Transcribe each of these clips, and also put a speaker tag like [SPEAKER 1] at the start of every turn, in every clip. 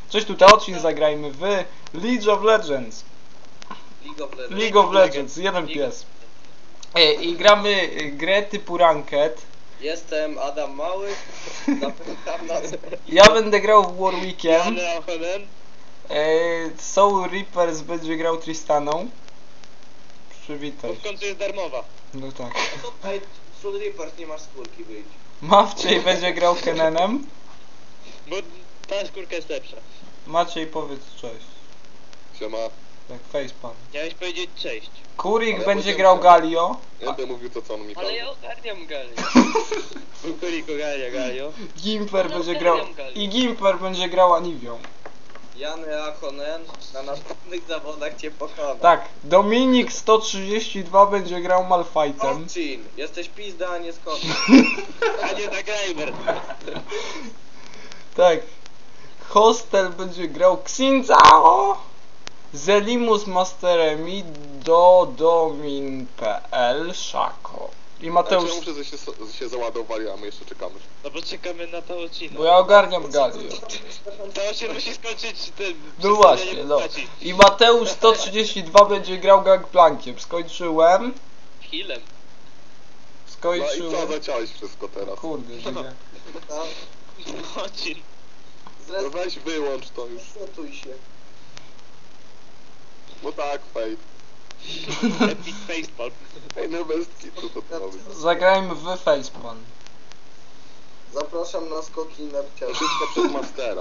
[SPEAKER 1] Cześć, tutaj odcinek zagrajmy w League of Legends. League of Legends, jeden pies. I gramy grę typu Ranked.
[SPEAKER 2] Jestem Adam Mały. Zapytam nas.
[SPEAKER 1] Ja będę grał w Warwickiem.
[SPEAKER 2] Honen.
[SPEAKER 1] Soul Reapers będzie grał Tristaną. Przywitaj.
[SPEAKER 2] W końcu jest darmowa.
[SPEAKER 1] No tak.
[SPEAKER 2] Tutaj Soul Reapers nie masz skórki, wyjdź.
[SPEAKER 1] Mawczej będzie grał Kenenem.
[SPEAKER 2] Bo ta skórka jest lepsza.
[SPEAKER 1] Maciej, powiedz cześć.
[SPEAKER 3] Siema.
[SPEAKER 1] Tak, facepalm.
[SPEAKER 2] Chciałeś powiedzieć cześć.
[SPEAKER 1] Kurik
[SPEAKER 3] Ale
[SPEAKER 1] będzie
[SPEAKER 3] ja
[SPEAKER 1] grał
[SPEAKER 3] powiedziałem-
[SPEAKER 1] Galio.
[SPEAKER 3] Nie będę mówił to, co on mi
[SPEAKER 2] Ale
[SPEAKER 3] kazał.
[SPEAKER 2] ja ogarniam Galio. Kurik ogarnia Galio.
[SPEAKER 1] Gimper
[SPEAKER 2] No,
[SPEAKER 1] będzie
[SPEAKER 2] ja
[SPEAKER 1] grał.
[SPEAKER 2] wiem, Galio.
[SPEAKER 1] I Gimper będzie grał Aniwią.
[SPEAKER 2] Jany Ahonen na następnych zawodach cię pokona.
[SPEAKER 1] Tak, Dominik 132 będzie grał Malfightem.
[SPEAKER 2] Orchin, jesteś pizda, a nie skąd. A nie Zagrajmer.
[SPEAKER 1] Tak. Hostel będzie grał Xinzao. Zelimus Masteremi do Domin.pl Szako. I Mateusz.
[SPEAKER 3] Znaczy, ja muszę, że się załadowali, a my jeszcze czekamy.
[SPEAKER 2] No bo czekamy na to odcinek.
[SPEAKER 1] Bo ja ogarniam Galio.
[SPEAKER 2] To się musi skończyć ten...
[SPEAKER 1] No właśnie, no. I Mateusz 132 będzie grał Gangplankiem. Skończyłem.
[SPEAKER 2] Healem.
[SPEAKER 3] No i co,
[SPEAKER 1] Skończyłem.
[SPEAKER 3] zaciąłeś wszystko teraz?
[SPEAKER 1] Kurde, żyję.
[SPEAKER 2] Odcinek.
[SPEAKER 3] No weź wyłącz to już.
[SPEAKER 2] Zresetuj się.
[SPEAKER 3] No tak, fake.
[SPEAKER 2] Epic facepalm.
[SPEAKER 3] Ej, no bez kitu to robi.
[SPEAKER 1] Zagrajmy w Facepalm.
[SPEAKER 4] Zapraszam na skoki nerciarze.
[SPEAKER 3] Wszystko przez Mastera.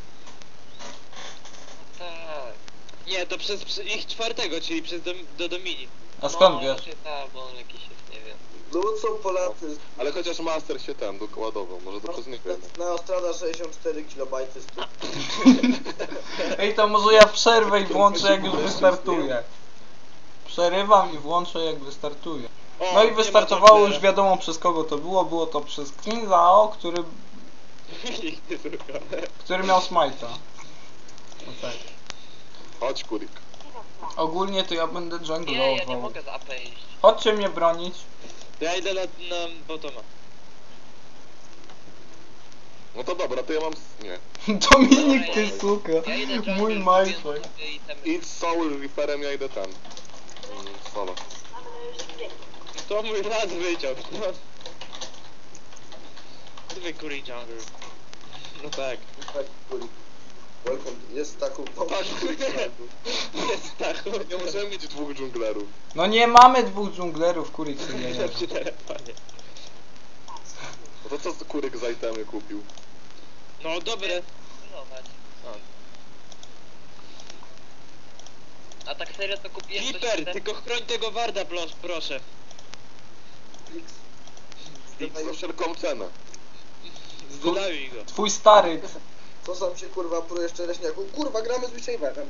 [SPEAKER 2] Tak. Nie, to przez ich czwartego, czyli przez do Domini.
[SPEAKER 1] A skąd wiesz?
[SPEAKER 2] Raczej tak, bo on jakiś jest, nie wiem.
[SPEAKER 4] Lucą Polacy.
[SPEAKER 3] Ale chociaż Master się ten dokładował, może to przez niego jednak.
[SPEAKER 4] Neostrada 64 KB stóp.
[SPEAKER 1] Ej, to może ja przerwę i włączę jak już wystartuje. Przerywam i włączę jak wystartuje.
[SPEAKER 2] O,
[SPEAKER 1] No i
[SPEAKER 2] nie ma
[SPEAKER 1] wystartowało
[SPEAKER 2] Jokera.
[SPEAKER 1] już wiadomo przez kogo to było. Było to przez Xinzao, który miał smite'a. No tak.
[SPEAKER 3] Chodź, Kurik.
[SPEAKER 1] Ogólnie to ja będę
[SPEAKER 2] Nie, ja nie
[SPEAKER 1] junglował.
[SPEAKER 2] mogę z AP iść.
[SPEAKER 1] Chodźcie mnie bronić.
[SPEAKER 2] Ja idę na botoma.
[SPEAKER 3] No to dobra, to ja mam... Nie.
[SPEAKER 1] Dominik, ty suka.
[SPEAKER 2] Ja idę jungle,
[SPEAKER 1] Mój
[SPEAKER 2] więc
[SPEAKER 1] majczek.
[SPEAKER 2] sobie itemy.
[SPEAKER 3] Idź z Soul Reaperem, ja idę ten. Solo.
[SPEAKER 2] To mój raz wyciął. Zwykły jungle. No tak.
[SPEAKER 4] Tak, kulik. Welcome. Jest taką
[SPEAKER 3] Tak,
[SPEAKER 2] Jest tak.
[SPEAKER 3] nie możemy mieć dwóch dżunglerów.
[SPEAKER 1] No nie mamy dwóch dżunglerów, kurik sobie nie
[SPEAKER 2] Przy
[SPEAKER 1] leży.
[SPEAKER 2] telefonie.
[SPEAKER 3] No to co Kurik za itemy kupił?
[SPEAKER 2] No dobre. A tak serio to kupiłem Viper, tylko chroń tego Warda, proszę.
[SPEAKER 3] Za wszelką cenę.
[SPEAKER 2] Zdolaj go.
[SPEAKER 1] Twój stary.
[SPEAKER 4] Co sam się kurwa prujesz czereśniaku? Kurwa, gramy z Witchaverem.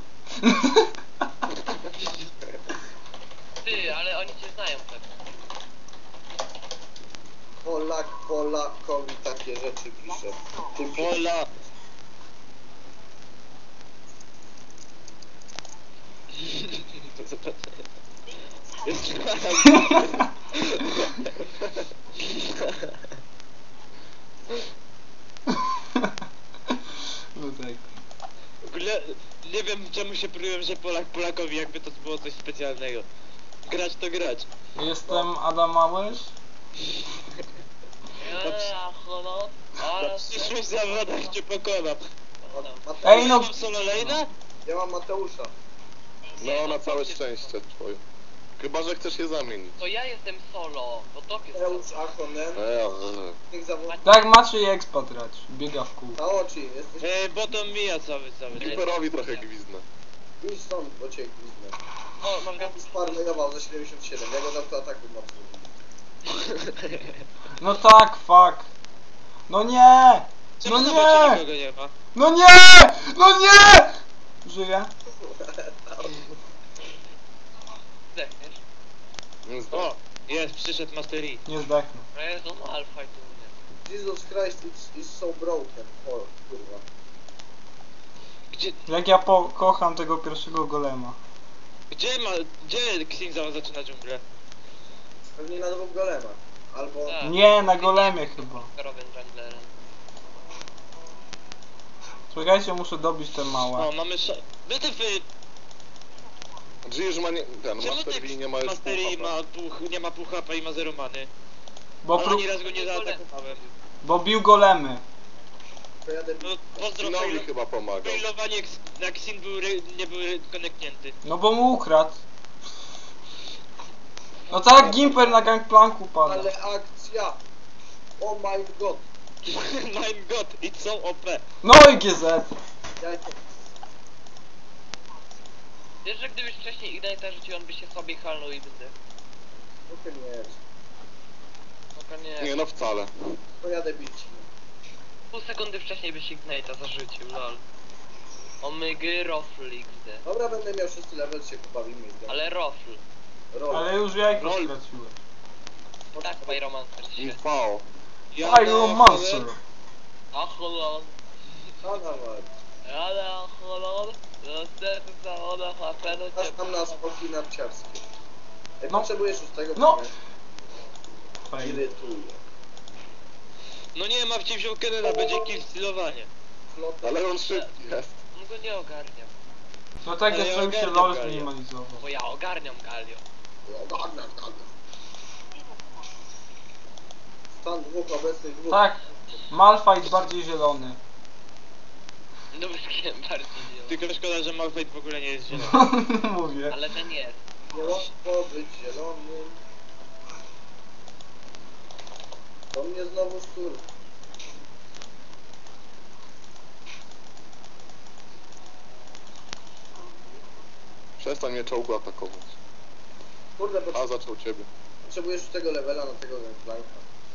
[SPEAKER 2] Ty, ale oni cię znają tak.
[SPEAKER 4] Polakowi takie rzeczy pisze. Ty
[SPEAKER 2] Pola. Jest
[SPEAKER 1] No tak.
[SPEAKER 2] w ogóle nie wiem czemu się prułem, że Polak Polakowi, jakby to było coś specjalnego. Grać to grać.
[SPEAKER 1] Jestem Adam Małysz.
[SPEAKER 2] Na przyszłych zawodach cię pokonam.
[SPEAKER 1] Ej, no.
[SPEAKER 2] Mam solo lane'a?
[SPEAKER 4] Ja mam Mateusza.
[SPEAKER 3] No, na całe szczęście twoje. Chyba, że chcesz je zamienić.
[SPEAKER 2] To ja jestem solo, bo to jest
[SPEAKER 4] Mateusz Ahonen. Tych zawodów.
[SPEAKER 1] Tak, Maciej ekspatrać. Biega w kół.
[SPEAKER 4] Na oczy, jesteś...
[SPEAKER 2] bo to mija cały.
[SPEAKER 3] Reaperowi trochę gwizdnę.
[SPEAKER 4] Idź stąd, bo cię gwizdnę.
[SPEAKER 2] O, mam go.
[SPEAKER 4] Sparmajował za 77, ja go dam to ataku mocno.
[SPEAKER 1] No tak, fuck. No nie!
[SPEAKER 2] Czemu
[SPEAKER 1] No
[SPEAKER 2] na bocie
[SPEAKER 1] nie!
[SPEAKER 2] nikogo nie ma?
[SPEAKER 1] No nie! No nie! Żyję.
[SPEAKER 2] Zdechniesz.
[SPEAKER 3] O!
[SPEAKER 2] Jest, przyszedł Master E.
[SPEAKER 1] Nie zdechnę.
[SPEAKER 2] Jezu, no alfa i tu nie.
[SPEAKER 4] Jesus Christ is so broken. O, kurwa.
[SPEAKER 2] Gdzie,
[SPEAKER 1] Jak ja kocham tego pierwszego golema.
[SPEAKER 2] gdzie Xingzao zaczyna dżunglę?
[SPEAKER 4] Pewnie na dwóch golemach. Albo...
[SPEAKER 2] Tak.
[SPEAKER 1] Nie, na golemie chyba.
[SPEAKER 2] Karowym junglerem.
[SPEAKER 1] Czekajcie, muszę dobić te
[SPEAKER 2] O,
[SPEAKER 1] małe.
[SPEAKER 2] mamy wytyfy!
[SPEAKER 3] G już ma nie... Ten,
[SPEAKER 2] Czemu
[SPEAKER 3] Master V nie ma już
[SPEAKER 2] Mastery
[SPEAKER 3] pół
[SPEAKER 2] nie ma pół HP i ma 0 many?
[SPEAKER 1] Bo,
[SPEAKER 2] Ale ani razu go nie zaatakowałem.
[SPEAKER 1] bo bił golemy.
[SPEAKER 4] Pojadę
[SPEAKER 2] No pozdro,
[SPEAKER 3] Sinowi chyba pomagał.
[SPEAKER 2] failowanie jak Sin nie był koneknięty.
[SPEAKER 1] No bo mu ukradł. No tak jak Gimper na gangplanku pada.
[SPEAKER 4] ale akcja! Oh my god!
[SPEAKER 2] My god, it's so OP.
[SPEAKER 1] No i GZ.
[SPEAKER 4] Ja
[SPEAKER 5] Wiesz, że gdybyś wcześniej Ignite'a rzucił, on by się sobie halnął i będę.
[SPEAKER 4] trochę nie.
[SPEAKER 5] Spoko, nie.
[SPEAKER 3] Nie no wcale.
[SPEAKER 4] Pojadę bić.
[SPEAKER 5] Pół sekundy wcześniej byś Ignite'a zarzucił, lol. Omygy, rofl XD.
[SPEAKER 4] Dobra, będę miał 6 level, się pobawimy.
[SPEAKER 5] Ale rofl.
[SPEAKER 4] Roll.
[SPEAKER 1] Ale już jajko
[SPEAKER 2] Roll.
[SPEAKER 1] straciłem.
[SPEAKER 5] Tak, Pyromancer się.
[SPEAKER 3] Info.
[SPEAKER 1] Pyromancer.
[SPEAKER 5] Ach, lol.
[SPEAKER 4] A nawet.
[SPEAKER 5] Ale ach, lol. Niestety za ona HP do
[SPEAKER 4] Aż tam na spoki narciarskie. Jak
[SPEAKER 1] No.
[SPEAKER 4] potrzebujesz 6
[SPEAKER 1] No.
[SPEAKER 4] pomiar, irytuje.
[SPEAKER 2] No nie, Mawcie wziął Kenena, będzie kill stylowanie.
[SPEAKER 4] Flota.
[SPEAKER 3] Ale on szybki jest.
[SPEAKER 5] On go nie ogarniam.
[SPEAKER 1] No tak,
[SPEAKER 2] Ale
[SPEAKER 1] jeszcze
[SPEAKER 2] ja
[SPEAKER 1] mi się
[SPEAKER 2] ogarniam
[SPEAKER 1] LOL
[SPEAKER 2] Galia.
[SPEAKER 1] zminimalizował.
[SPEAKER 5] Bo ja ogarniam Galio.
[SPEAKER 4] Stan dwóch obecnych dwóch.
[SPEAKER 1] Tak, Malphite bardziej zielony.
[SPEAKER 5] No wiem, bardziej nie.
[SPEAKER 2] Tylko szkoda, że Malphite w ogóle nie jest zielony.
[SPEAKER 1] Mówię.
[SPEAKER 5] Ale ten jest.
[SPEAKER 4] Niełatwo być zielonym. To mnie znowu szczur.
[SPEAKER 3] Przestań mnie czołgu atakować.
[SPEAKER 4] Kurde,
[SPEAKER 3] A zaczął ciebie.
[SPEAKER 4] potrzebujesz już tego levela na tego gangplanka.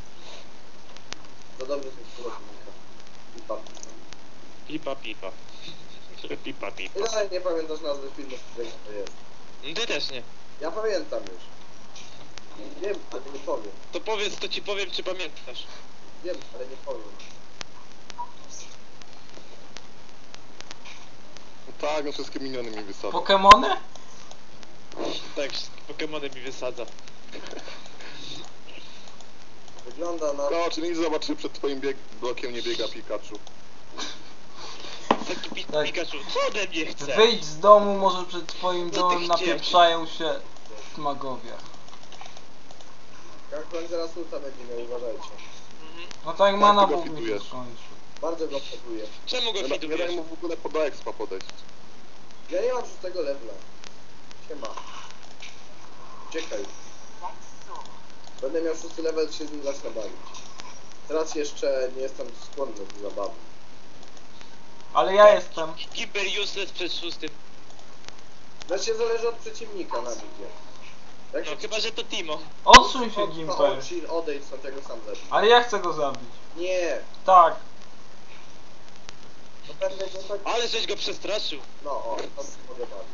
[SPEAKER 4] Za dobry ten skórownika. I papi.
[SPEAKER 2] Pipa, pipa. Pipa, pipa.
[SPEAKER 4] I dalej nie pamiętasz nazwy filmu, z którego to jest.
[SPEAKER 2] Ty też nie.
[SPEAKER 4] Ja pamiętam już. Wiem, ale nie powiem.
[SPEAKER 2] To powiedz, to ci powiem, czy pamiętasz.
[SPEAKER 4] Wiem, ale nie powiem.
[SPEAKER 3] No tak, no wszystkie miniony mi wysadzą.
[SPEAKER 1] Pokemony?
[SPEAKER 2] Tak, wszystkie Pokemony mi wysadza.
[SPEAKER 4] Wygląda na...
[SPEAKER 3] No, czy nic zobaczy, przed twoim blokiem nie biega Pikachu.
[SPEAKER 2] Taki
[SPEAKER 1] Tak.
[SPEAKER 2] Pikachu, co ode mnie chce?
[SPEAKER 1] Wyjdź z domu, może przed twoim
[SPEAKER 2] No ty
[SPEAKER 1] domem
[SPEAKER 2] chciałeś.
[SPEAKER 1] napieprzają się magowie.
[SPEAKER 4] Gangplank zaraz ulta będzie miał, uważajcie.
[SPEAKER 1] No tak,
[SPEAKER 3] Tak,
[SPEAKER 1] mana
[SPEAKER 3] ty go
[SPEAKER 1] Bóg mi się
[SPEAKER 3] fitujesz.
[SPEAKER 1] skończył.
[SPEAKER 4] Bardzo go próbuję.
[SPEAKER 2] Czemu go
[SPEAKER 3] Nie, nie
[SPEAKER 2] fitujesz?
[SPEAKER 3] daj mu w ogóle do expa podejść.
[SPEAKER 4] Ja nie mam 6 levela. Siema. Uciekaj. Będę miał 6 level, się z nim zacznę bawić. Teraz jeszcze nie jestem skłonny do zabawy.
[SPEAKER 1] Ale ja jestem.
[SPEAKER 2] Hyper useless przed szóstym.
[SPEAKER 4] Znaczy zależy od przeciwnika na widzie. Jak
[SPEAKER 2] No
[SPEAKER 4] się
[SPEAKER 2] chyba, że to Timo.
[SPEAKER 1] Odsuń się, Gimper.
[SPEAKER 4] Odejdź stąd, ja go sam zabiję.
[SPEAKER 1] Ale ja chcę go zabić.
[SPEAKER 4] Nie!
[SPEAKER 1] Tak.
[SPEAKER 4] To będę go tak...
[SPEAKER 2] Ale żeś go przestraszył.
[SPEAKER 4] No, o, to się mogę bawić.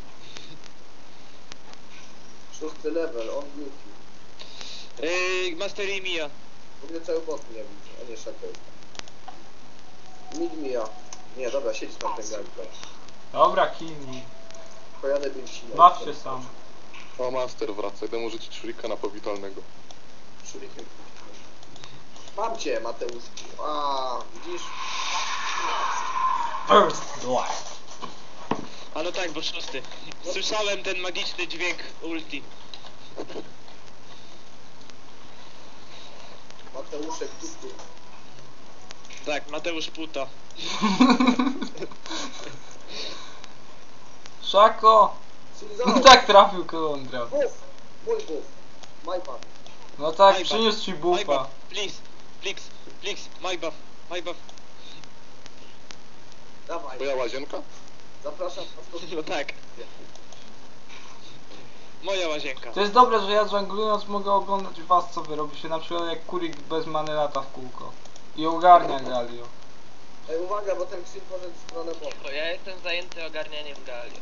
[SPEAKER 4] 6 level, on beauty.
[SPEAKER 2] Master i Mia.
[SPEAKER 4] W ogóle cały bot mnie widzi, a nie Shackle. Mid Mia. Nie, dobra, siedź tam ten gameplay.
[SPEAKER 1] Dobra, kill me.
[SPEAKER 4] Pojadę bić silę.
[SPEAKER 1] Baw się sam.
[SPEAKER 3] O, Master wraca, idę mu rzucić shurikena powitalnego.
[SPEAKER 4] Shuriken. Mam cię, Mateuszki. A, widzisz?
[SPEAKER 1] First blood.
[SPEAKER 2] A no tak, bo szósty. Słyszałem ten magiczny dźwięk ulti.
[SPEAKER 4] Mateuszek, tu.
[SPEAKER 2] Tak, Mateusz Puta.
[SPEAKER 1] Szako!
[SPEAKER 4] Silzao.
[SPEAKER 1] No tak trafił Kolondra.
[SPEAKER 4] Buff! Mój buff. My buff.
[SPEAKER 1] No tak,
[SPEAKER 2] My buff.
[SPEAKER 1] przyniósł ci
[SPEAKER 2] My
[SPEAKER 1] bufa.
[SPEAKER 2] buff, please, my buff, my buff.
[SPEAKER 4] Dawaj.
[SPEAKER 3] Twoja łazienka?
[SPEAKER 4] Zapraszam was do...
[SPEAKER 2] No tak. Moja łazienka.
[SPEAKER 1] To jest dobre, że ja żonglując mogę oglądać was, co wy robicie. Na przykład jak kurik bez many lata w kółko. I ogarnia Galio.
[SPEAKER 4] Ej, uwaga, bo ten Xin poszedł w stronę boku.
[SPEAKER 5] Cicho, ja jestem zajęty ogarnianiem Galio.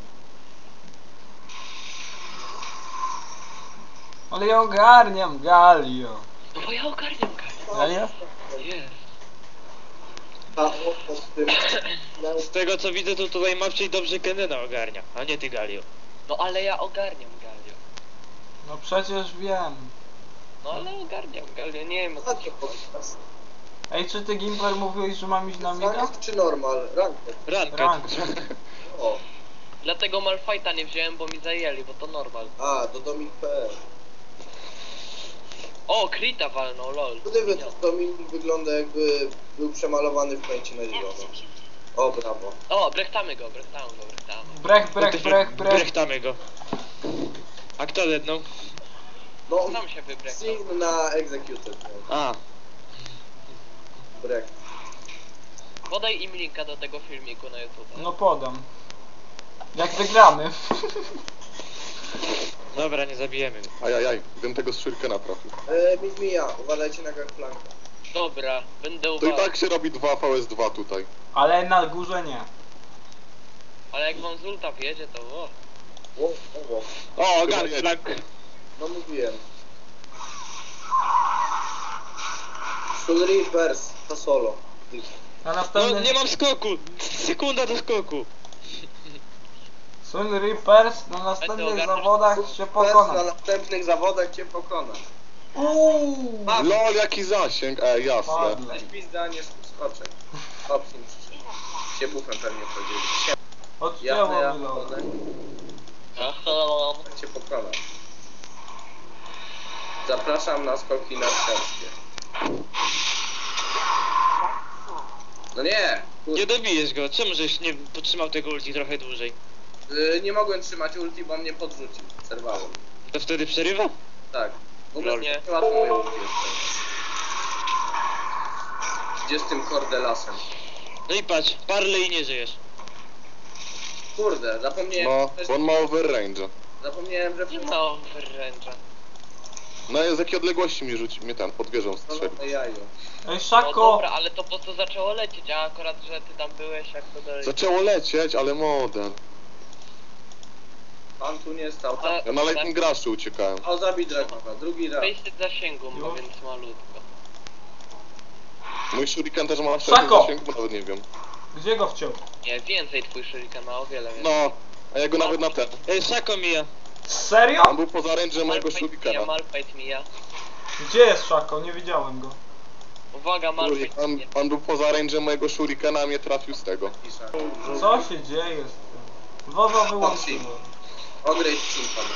[SPEAKER 1] Ale ja ogarniam Galio.
[SPEAKER 5] No bo ja ogarniam Galio.
[SPEAKER 1] Galio?
[SPEAKER 5] Jest.
[SPEAKER 4] A pod tym...
[SPEAKER 2] Z tego co widzę, to tutaj Mawciej dobrze Kenena ogarnia, a nie ty Galio.
[SPEAKER 5] No ale ja ogarniam Galio.
[SPEAKER 1] No przecież wiem.
[SPEAKER 5] No ale ogarniam Galio, nie wiem o co ci chodzi.
[SPEAKER 1] Ej, czy ty Gimper mówiłeś, że mam iść na mida?
[SPEAKER 4] Ranked czy normal? Ranked.
[SPEAKER 2] Ranket.
[SPEAKER 1] Rank.
[SPEAKER 4] O.
[SPEAKER 5] Dlatego Malfighta nie wziąłem, bo mi zajęli, bo to normal.
[SPEAKER 4] A, do Dominik.pl.
[SPEAKER 5] O, Krita walnął, lol.
[SPEAKER 4] Gdyby to Dominik wygląda jakby był przemalowany w pęcie na zielono. O, brawo.
[SPEAKER 5] O, brechtamy go.
[SPEAKER 1] Brech.
[SPEAKER 2] Brechtamy go. A kto dednął?
[SPEAKER 4] No,
[SPEAKER 5] Sam się wybrechtał.
[SPEAKER 4] Sign na Executed. No.
[SPEAKER 2] A,
[SPEAKER 4] Break.
[SPEAKER 5] Podaj im linka do tego filmiku na YouTube.
[SPEAKER 1] No podam. Jak wygramy.
[SPEAKER 2] dobra, nie zabijemy go.
[SPEAKER 3] Ajajaj, bym tego z shurikena trafił.
[SPEAKER 4] Mija, uważajcie na gangplankę.
[SPEAKER 5] Dobra, będę
[SPEAKER 3] To i
[SPEAKER 5] uważał.
[SPEAKER 3] tak się robi 2 VS2 tutaj.
[SPEAKER 1] Ale na górze nie.
[SPEAKER 5] Ale jak wam z ulta wjedzie, to o.
[SPEAKER 2] O,
[SPEAKER 3] Chyba
[SPEAKER 2] Gunflank.
[SPEAKER 4] No mówiłem. Soul Reapers, to solo.
[SPEAKER 1] Na
[SPEAKER 2] No,
[SPEAKER 1] następnym...
[SPEAKER 2] nie mam skoku. Sekunda do skoku.
[SPEAKER 1] Soul Reapers na następnych
[SPEAKER 5] ogarniasz?
[SPEAKER 1] zawodach się
[SPEAKER 4] Pers na
[SPEAKER 1] pokona.
[SPEAKER 4] następnych zawodach cię pokona.
[SPEAKER 1] Uuu.
[SPEAKER 3] LOL, jaki zasięg, jasne.
[SPEAKER 1] Padle.
[SPEAKER 4] Weź pizda, nie skoczek. Opsin przyszedł. Się bufem pewnie powiedzieli.
[SPEAKER 1] Odcięło
[SPEAKER 4] Ja
[SPEAKER 1] mi lol.
[SPEAKER 4] tak cię pokona. Zapraszam na skoki narciarskie. No nie!
[SPEAKER 2] Nie dobijesz go. Czemu żeś nie potrzymał tego ulti trochę dłużej?
[SPEAKER 4] Nie mogłem trzymać ulti, bo mnie podrzucił. Zerwałem.
[SPEAKER 2] To wtedy przerywa?
[SPEAKER 4] Tak. W ogóle
[SPEAKER 5] Lol.
[SPEAKER 4] nie łatwo moje ulti jeszcze. Gdzie z tym kordelasem?
[SPEAKER 2] No i patrz, Parley nie żyjesz.
[SPEAKER 4] Kurde, zapomniałem.
[SPEAKER 3] No, bo on ma overrange.
[SPEAKER 4] Zapomniałem, że
[SPEAKER 5] Nie ma overrange'a.
[SPEAKER 3] No z jakiej odległości mi rzuci, mnie ten pod wieżą strzelił.
[SPEAKER 4] no jaju.
[SPEAKER 1] Ej,
[SPEAKER 5] No
[SPEAKER 1] Szako!
[SPEAKER 5] dobra, ale to po prostu zaczęło lecieć, a akurat, że ty tam byłeś, jak to dalej.
[SPEAKER 3] Zaczęło lecieć, ale model.
[SPEAKER 4] Pan tu nie stał.
[SPEAKER 5] Ale-
[SPEAKER 3] Ja na Lightning Rushu uciekałem.
[SPEAKER 4] O, zabij Dragona, drugi raz.
[SPEAKER 5] Face zasięgu ma,
[SPEAKER 1] Już?
[SPEAKER 5] więc malutko.
[SPEAKER 3] Mój shuriken też ma
[SPEAKER 1] Szako!
[SPEAKER 3] wtedy zasięg, bo nawet nie wiem.
[SPEAKER 1] Gdzie go wciął?
[SPEAKER 5] Nie, więcej twój shuriken ma, o wiele więcej.
[SPEAKER 3] No, a ja go nawet na ten.
[SPEAKER 2] Ej, Szako mija.
[SPEAKER 1] Serio?
[SPEAKER 3] On był poza range'em mojego shurikena.
[SPEAKER 5] Malfight mija.
[SPEAKER 1] Gdzie jest Szako? Nie widziałem go.
[SPEAKER 5] Uwaga, Malfight
[SPEAKER 3] On,
[SPEAKER 5] mija.
[SPEAKER 3] on był poza range'em mojego shurikena, a mnie trafił z tego.
[SPEAKER 4] Pisza.
[SPEAKER 1] Co się dzieje z tym? Wowa wyłączyłem.
[SPEAKER 4] Odrejść Chimpan.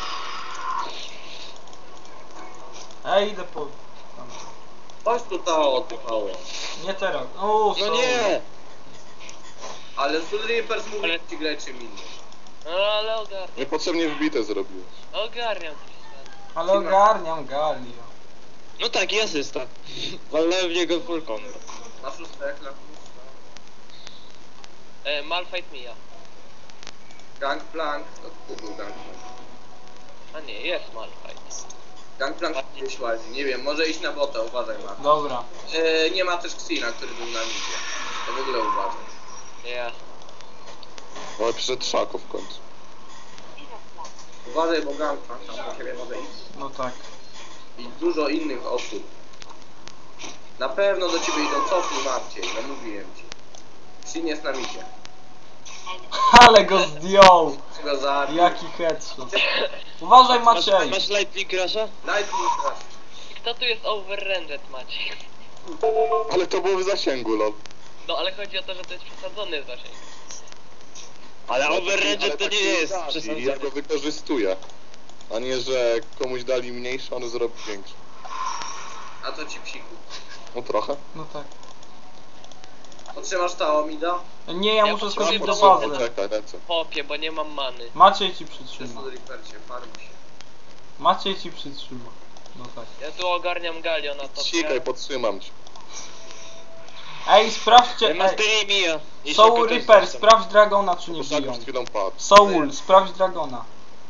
[SPEAKER 1] Ej, idę po... tam.
[SPEAKER 4] Chodź tu Tao oddychało.
[SPEAKER 1] Nie teraz. O,
[SPEAKER 2] No nie!
[SPEAKER 4] Ale Soul Reapers mówi
[SPEAKER 5] Ale-
[SPEAKER 4] ci graj czym innym.
[SPEAKER 5] No ale ogarniam.
[SPEAKER 3] Niepotrzebnie wbite zrobiłeś.
[SPEAKER 5] Ogarniam coś tam.
[SPEAKER 1] Ale ogarniam Galio.
[SPEAKER 2] No tak, i asysta. Walnąłem w niego full combo.
[SPEAKER 4] Na szóste jak na
[SPEAKER 5] Malfight mija.
[SPEAKER 4] Gangplank, to był Gangplank.
[SPEAKER 5] A nie, jest Malfight.
[SPEAKER 4] Gangplank gdzieś łazi, nie wiem, może iść na bota, uważaj ma.
[SPEAKER 1] Dobra.
[SPEAKER 4] Nie ma też Xina, który był na midzie. To w ogóle uważaj.
[SPEAKER 5] Ja.
[SPEAKER 3] Ale przyszedł Szako w końcu.
[SPEAKER 4] Uważaj, bo Gangplank tam do ciebie może iść.
[SPEAKER 1] No tak.
[SPEAKER 4] I dużo innych osób. Na pewno do ciebie idą, cofnij Marciej, no mówiłem ci. Xin jest na midzie.
[SPEAKER 1] Ale go zdjął!
[SPEAKER 4] Chcę go zabić.
[SPEAKER 1] Jaki headshot. Uważaj Maciej!
[SPEAKER 2] Masz Lightning Rusha?
[SPEAKER 4] Lightning Rush.
[SPEAKER 5] I kto tu jest overranged, Maciej?
[SPEAKER 3] Ale to było w zasięgu, lol.
[SPEAKER 5] No ale chodzi o to, że to jest przesadzony zasięg.
[SPEAKER 2] Ale overrange
[SPEAKER 3] Ale
[SPEAKER 2] to
[SPEAKER 3] tak
[SPEAKER 2] nie jest
[SPEAKER 3] da. I
[SPEAKER 2] przesądzone.
[SPEAKER 3] ja go wykorzystuję. A nie, że komuś dali mniejszy, on zrobi większy.
[SPEAKER 4] A to ci psiku.
[SPEAKER 3] No trochę.
[SPEAKER 1] No tak.
[SPEAKER 4] Potrzymasz Tao Mida?
[SPEAKER 1] Nie, ja
[SPEAKER 5] Ja
[SPEAKER 1] muszę
[SPEAKER 5] potrzebuję
[SPEAKER 1] skoczyć do
[SPEAKER 5] pomocy.
[SPEAKER 1] bazy.
[SPEAKER 3] Czekaj, lecę.
[SPEAKER 5] Popie, bo nie mam many.
[SPEAKER 1] Maciej ci
[SPEAKER 4] Przy
[SPEAKER 1] przytrzyma.
[SPEAKER 4] Soul Reapercie, farm się.
[SPEAKER 1] Maciej ci przytrzyma. No tak.
[SPEAKER 5] Ja tu ogarniam Galio na to.
[SPEAKER 3] Cikaj, podtrzymam cię.
[SPEAKER 1] Ej, sprawdźcie! Ej,
[SPEAKER 2] Mastery mija. I
[SPEAKER 1] Soul
[SPEAKER 2] Szako też
[SPEAKER 1] Reaper,
[SPEAKER 2] został.
[SPEAKER 1] sprawdź Dragona czy nie
[SPEAKER 3] Bo Szako
[SPEAKER 1] biją.
[SPEAKER 3] przed chwilą padł.
[SPEAKER 1] Soul, sprawdź Dragona.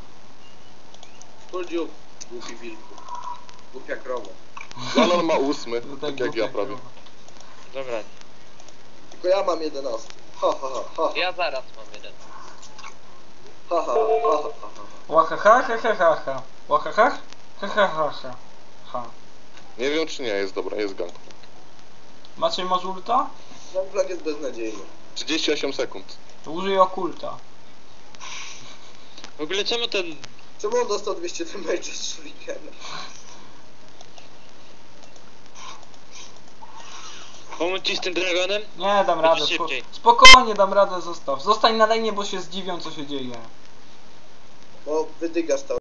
[SPEAKER 4] Full dziób, głupi wilku. Głupia krowa.
[SPEAKER 3] No, on ma 8,
[SPEAKER 1] No
[SPEAKER 3] tak jak ja prawie.
[SPEAKER 2] Dobra.
[SPEAKER 4] Tylko ja mam 11. Ha ha ha ha
[SPEAKER 5] Ja zaraz mam jeden.
[SPEAKER 4] ha ha ha ha ha.
[SPEAKER 1] Łahaha, ha ha ha ha. Łahaha, ha ha ha ha. Ha.
[SPEAKER 3] Nie wiem czy nie, jest dobra, jest gang.
[SPEAKER 1] Maciej masz ulta?
[SPEAKER 4] Gangplank jest beznadziejny.
[SPEAKER 3] 38 sekund.
[SPEAKER 1] Użyj okulta.
[SPEAKER 2] W ogóle czemu ten...
[SPEAKER 4] Czemu on dostał 200 damage z shurikena?
[SPEAKER 2] Pomóc ci z tym dragonem?
[SPEAKER 1] Nie, dam radę.
[SPEAKER 2] szybciej.
[SPEAKER 1] Spokojnie, dam radę, zostaw. Zostań na lejnie, bo się zdziwią, co się dzieje.
[SPEAKER 4] Bo wydygasz to.